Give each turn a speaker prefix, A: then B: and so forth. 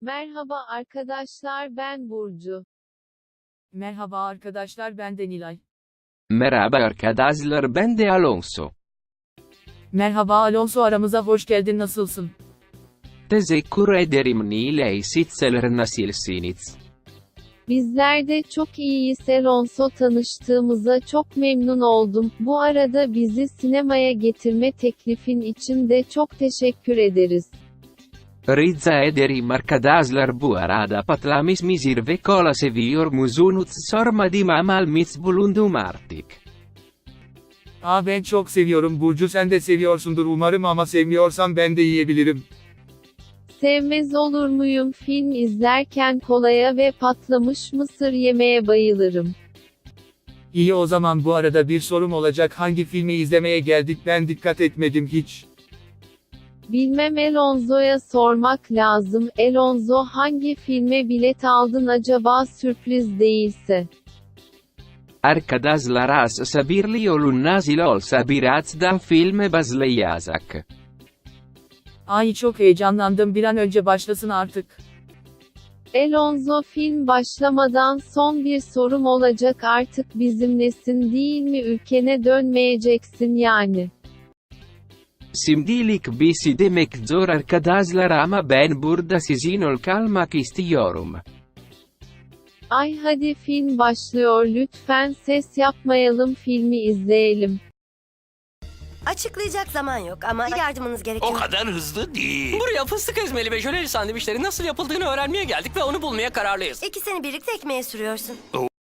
A: Merhaba arkadaşlar, ben Burcu.
B: Merhaba arkadaşlar, ben de Nilay.
C: Merhaba arkadaşlar, ben de Alonso.
B: Merhaba Alonso, aramıza hoş geldin, nasılsın?
C: Teşekkür ederim Nilay, sizler nasılsınız?
A: Bizler de çok iyiyiz. Alonso, tanıştığımıza çok memnun oldum. Bu arada bizi sinemaya getirme teklifin için de çok teşekkür ederiz.
C: Rica ederim arkadaşlar, bu arada patlamış ve kola seviyor musunuz sormadım ama bulundum artık.
D: Ben çok seviyorum Burcu, sen de seviyorsundur umarım, ama sevmiyorsan ben de yiyebilirim.
A: Sevmez olur muyum? Film izlerken kolaya ve patlamış mısır yemeye bayılırım.
D: İyi, o zaman bu arada bir sorum olacak, hangi filmi izlemeye geldik, ben dikkat etmedim hiç.
A: Bilmem, Alonso'ya sormak lazım. Alonso, hangi filme bilet aldın acaba, sürpriz değilse?
C: Arkadaşlar az sabirli olun, nazil olsa birazdan filme başlayacak.
B: Ay, çok heyecanlandım, bir an önce başlasın artık.
A: Alonso, film başlamadan son bir sorum olacak, artık bizimlesin değil mi, ülkene dönmeyeceksin yani?
C: Şimdilik bir şey demek zor arkadaşlar ama ben burada sizin kalmak istiyorum.
A: Ay hadi, film başlıyor, lütfen ses yapmayalım, filmi izleyelim.
E: Açıklayacak zaman yok ama yardımınız gerekiyor.
F: O kadar hızlı değil. Buraya fıstık ezmeli ve jöleli sandviçlerin nasıl yapıldığını öğrenmeye geldik ve onu bulmaya kararlıyız.
E: İkisini birlikte ekmeğe sürüyorsun.